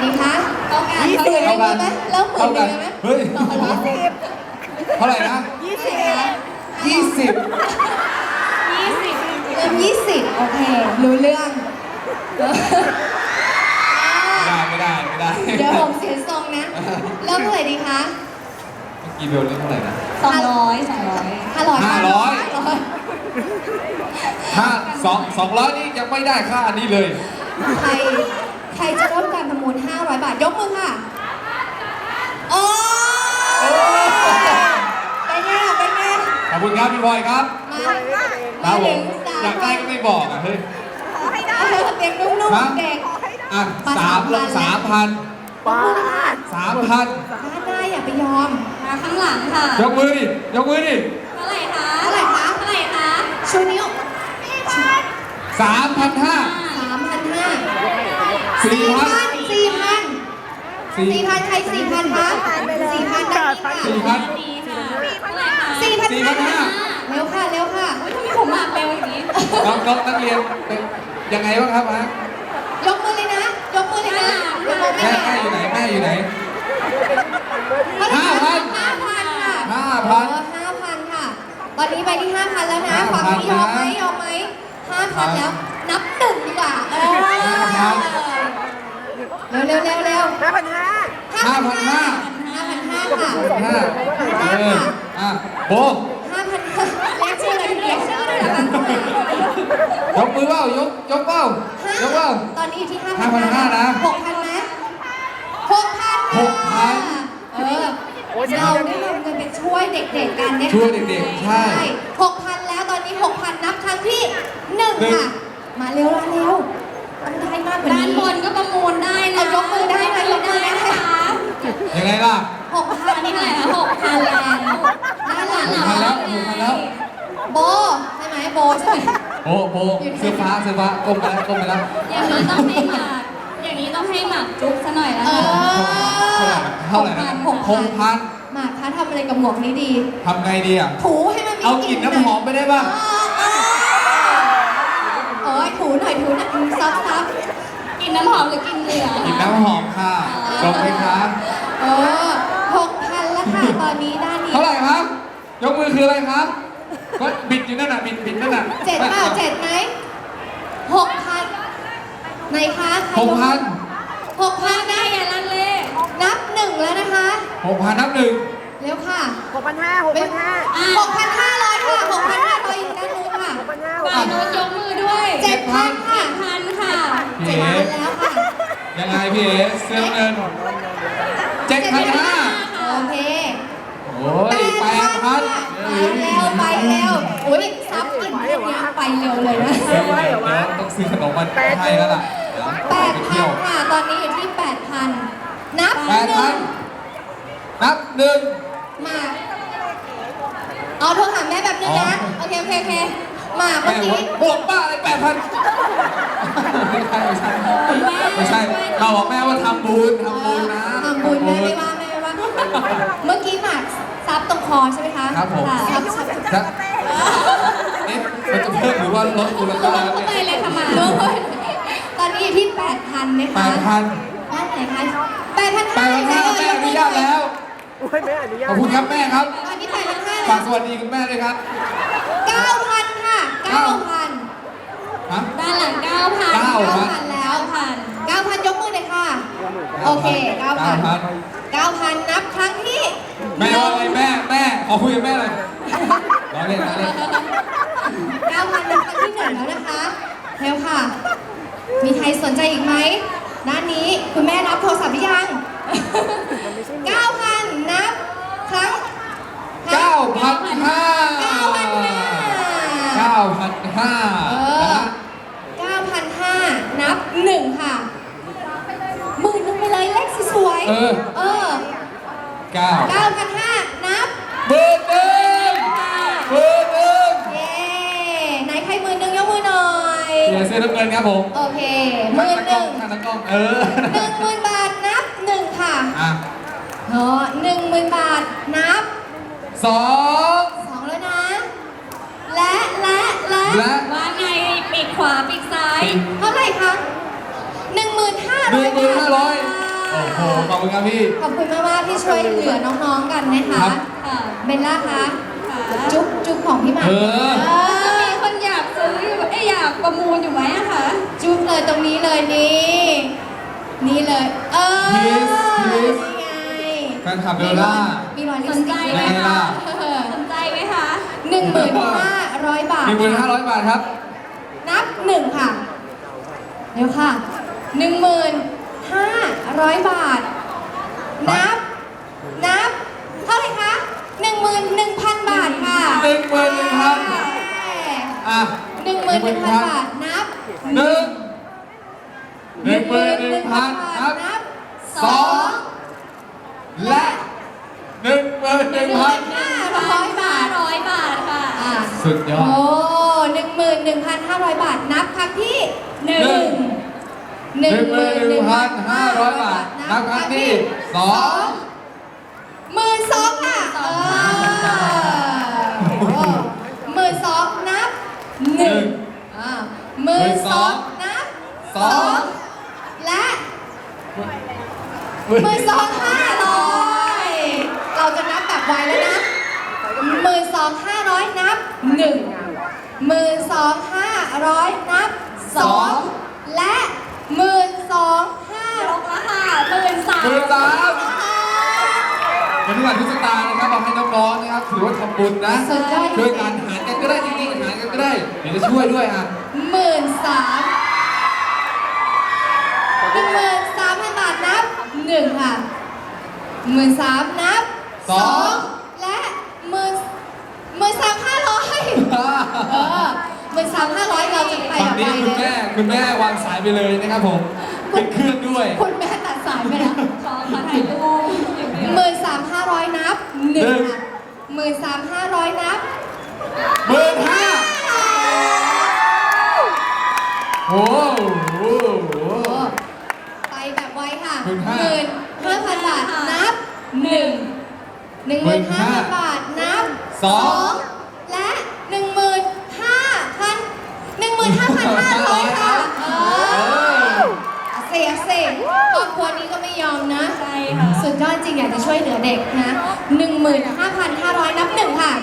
ดีคะเท่ากันเท่ากันเริ่มหมื่นหนึ่งไหมเฮ้ย เท่าไหร่นะ 20 20 เริ่ม20โอเครู้เรื่องไม่ได้เดี๋ยวผมเสียทรงนะเริ่มเท่าไหร่ดีคะเมื่อกี้เบลเล่นเท่าไหร่นะ 500 200นี่ยังไม่ได้ค่าอันนี้เลยใครจะร่วมการประมูล500 บาทยกมือค่ะโอ้เป็นไงขอบคุณครับพี่บอยครับมาถึงอยากได้ก็ไม่บอกอ่ะเฮ้ยเด็กนุ่มๆเด็กอ่ะ3,000 ป้า 3,000 ได้อย่าไปยอมมาข้างหลังค่ะยกมือดิเท่าไหร่คะชูนิ้ว 3,500 4,000 ใคร 4,000 คะ4,000ได้ค่ะ 4,000 4,500เร็วค่ะทำไมผมมาเร็วอย่างนี้น้องนักเรียนเป็นยังไงบ้างครับฮะยกมือเลยนะเดี๋ยวมองไม่แม่เห็นอยู่ไหน 5,000 ค่ะ 5,000 ค่ะ ตอนนี้ไปที่ 5,000 แล้วนะฝั่งนี้ยอมไหม 5,000 แล้ว นับหนึ่งดีกว่าเร็ว 5,500 5,500 ค่ะโบ 5,500เรียกชื่อเลยเรียกชื่อเลยเหรอคะยกมือเปล่ายกเปล่าตอนนี้อยู่ที่ 5,500 นะ 6,000 ไหม 6,000 เราได้นำเงินไปช่วยเด็กๆกันเนี่ยช่วยเด็กๆใช่ 6,000 แล้วตอนนี้ 6,000 นับครั้งที่ 1 ค่ะ มาเร็วต้องได้มากกว่านี้ด้านบนก็ประมูลได้นะยกมือได้นะยกมือได้ยังไงล่ะ 6,000 อันนี้เท่าไหร่คะ6,000 แล้วด้านหลัง 6,000 แล้วโบใช่ไหมโบใช่ไหมโบเสื้อฟ้าก้มไปแล้วอย่างนี้ต้องให้หมากอย่างนี้ต้องให้หมากจุ๊บซะหน่อยแล้วเอค่ะเท่าไหร่นะ 6,000 มาคะทำอะไรกับหมวกนี้ดีทำไงดีอ่ะถูให้มันมีเอากลิ่นน้ำหอมไปได้ป่ะโอ้ยถูหน่อยซับกินน้ำหอมหรือกินเหลือกลิ่นน้ำหอมค่ะจบไหมคะ 6,000 แล้วค่ะ ตอนนี้ด้านนี้เท่าไหร่ครับ ยกมือคืออะไรครับ ก็บิดอยู่นั่นน่ะบิดนั่นน่ะ 7 เปล่า 7 ไหม 6,000ไหนคะ 6,000 ได้อย่าลังเลนับ 1 แล้วนะคะ 6,000 นับ 1 เร็วค่ะ 6,500 6,500 ค่ะ 6,500อยู่ด้านนู้นค่ะฝ่ายโน้นยกมือด้วย 7,000 ค่ะ 7,000 ค่ะพี่เอ๋ 7,000 แล้วค่ะยังไงพี่เอ๋เสื้อเงิน7,500 โอเคโอ้ย8,000 ไปเร็วอุ้ยซับกลิ่นพวกนี้ไปเร็วเลยนะเดี๋ยวต้องซื้อขนมมาให้แล้วล่ะเดี๋ยวไปเที่ยว 8,000 ค่ะ ตอนนี้อยู่ที่ 8,000 นับ 8,000 นับ 1 มาเอาโทรหาแม่แบบนึงนะ โอเคมาเมื่แม่อกี้บวกบ้าอะไร8,000ไม่ใช่เราบอกแม่ว่าทำบุญนะทำบุญแม่ไม่ว่าเมื่อกี้หมากซับตรงคอใช่ไหมคะครับผมซับนี่มันจะเพิ่มหรือว่าลดมูลค่าแล้วเข้าไปเนี่ยเลยค่ะหมากตอนนี้อยู่ที่ 8,000 นะคะ 8,000 ด้านไหนคะ 8,500 แม่อนุญาตแล้ว ขอบคุณครับแม่ครับตอนนี้ 8,500 ฝากสวัสดีคุณแม่ด้วยครับ 9,000 ค่ะ 9,000 ฮะด้านหลัง 9,000 9,000 แล้ว 9,000 ยกมือเลยค่ะ โอเค 9,000 นับครั้งที่แม่ว่าไงแม่ขอคุยกับแม่หน่อยรอเล่น 9,000 นับครั้งที่ 1 แล้วนะคะเร็วค่ะ มีใครสนใจอีกไหม ด้านนี้คุณแม่รับโทรศัพท์หรือยัง 9,000 นับครั้ง 9,500 นะฮะ 9,500 นับ 1 ค่ะหมื่นนึงไปเลยเลขสวยๆ 9 9,500 นับเบอร์หนึ่งเย้ไหนใคร10,000ยกมือหน่อยเสื้อน้ำเงินครับผมโอเค10,000 ข้างตะกล้อง 10,000 บาทนับ 1 ค่ะอ่ะ 10,000 บาทนับ 2 2 แล้วนะ และว่าไงปีกขวาปีกซ้ายเท่าไหร่คะ 1,500 บาทโอ้โหขอบคุณครับพี่ขอบคุณมากๆที่ช่วยเหลือน้องๆกันนะคะครับค่ะเบลล่าคะค่ะจุ๊บของพี่หมากเออจะมีคนอยากซื้ออยู่อยากประมูลอยู่ไหมอะคะจุ๊บเลยตรงนี้เลยนี่เลย Kiss นี่ไงแฟนคลับเบลล่ามีรอยลิสปนสใจติกไหมไงล่ะคะสนใจไหมคะ 1,500 บาท 1,500 บาทครับนับ1ค่ะ เดี๋ยวค่ะ 1,500 บาท นับ เท่าไหร่คะ 11,000 บาทค่ะ 11,000 อ่ะ 11,000 บาท นับ 11,000 นับ สอง และ 11,000 500 บาท 500 บาทค่ะอ่ะสุดยอโอ้ด 11,500 บาท นับครั้งที่หนึ่ง 11,500 บาท นับครั้งที่ 12,000ค่ะ12,000นับ112,000นับ2และ12,500เราจะนับแบบไวแล้วนะ12,500นับ1 12,500นับ2และ12,500 ลงแล้วค่ะ13,000 เป็นทุกวันทุกสตางค์นะครับเอาให้น้องๆนะครับถือว่าทำบุญนะสุดยอดช่วยกันหารกันก็ได้จริงๆหารกันก็ได้เดี๋ยวจะช่วยด้วยอ่ะ 13,000 บาทนับ1ค่ะ13,000นับ2และ13,500 13,500เราจะไปฝั่งแบบนี้ไปคุณแม่วางสายไปเลยนะครับผมเป็นเครื่องด้วยคุณแม่ตัดสายไปแล้วขอถ่ายรูปอย่างเดียว 13,500นับ1ค่ะ13,500นับ 15,000โอ้โหไปแบบไวค่ะ 15,000 15,000 บาทนับ 1 15,000 บาทนับ 2 และ 15,500 ค่ะเสียเสกครอบครัวนี้ก็ไม่ยอมนะใช่ค่ะสุดยอดจริงอยากจะช่วยเหลือเด็กนะ 15,500 นับ 1 ค่ะ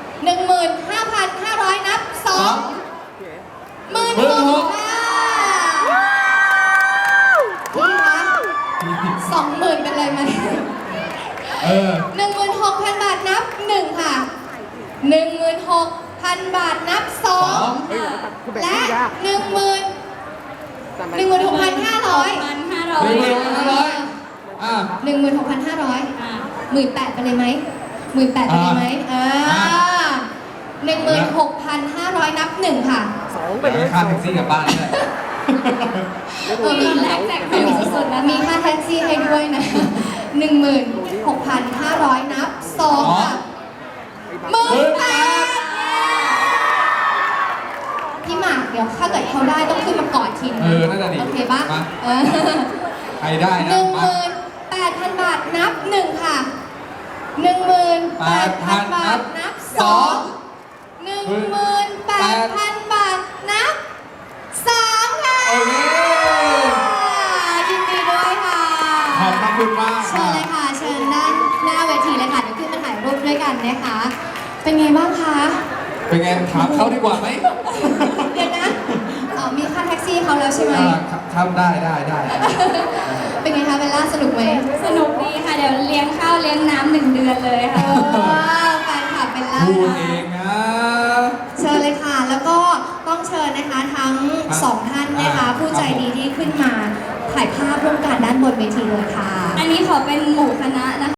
15,500 นับ 2 16,000 ค่ะพี่คะ20,000เป็นเลยไหม 16,000 บาทนับ 1 ค่ะ 16,000 บาทนับ 2 และ 16,500 อ่ะ 16,500 อ่า 18,000ไปเลยไหม18,000ไปเลยไหม16,500 นับ 1 ค่ะเดี๋ยวค่าแท็กซี่กลับบ้านเลยมีแลกแจกแถมสุดๆนะมีค่าแท็กซี่ให้ด้วยนะ 16,500 นับ 2 ค่ะ 18,000พี่หมากเดี๋ยวถ้าเกิดเขาได้ต้องขึ้นมากอดทีนึงน่าจะดีโอเคปะมาเออใครได้นะมา 18,000 บาทนับ 1 ค่ะ 18,000 บาทนับ 2 18,000 บาทนับ 3 ค่ะโอเคยินดีด้วยค่ะขอบคุณมากเชิญเลยค่ะ เชิญด้านหน้าเวทีเลยค่ะเดี๋ยวขึ้นมาถ่ายรูปด้วยกันนะคะ เป็นไงบ้างคะเป็นไงถามเขาดีกว่าไหมเดี๋ยวนะมีค่าแท็กซี่เขาแล้วใช่ไหมครับได้เป็นไงคะเบลล่าสนุกไหมสนุกดีค่ะ เดี๋ยวเลี้ยงข้าวเลี้ยงน้ำ1 เดือนเลยค่ะแฟนคลับเบลล่าพูดค่ะเองนะเชิญเลยค่ะ แล้วก็ต้องเชิญนะคะทั้งสองท่านนะคะ ผู้ใจดีที่ขึ้นมาถ่ายภาพร่วมกันด้านบนเวทีเลยค่ะอันนี้ขอเป็นหมู่คณะนะคะ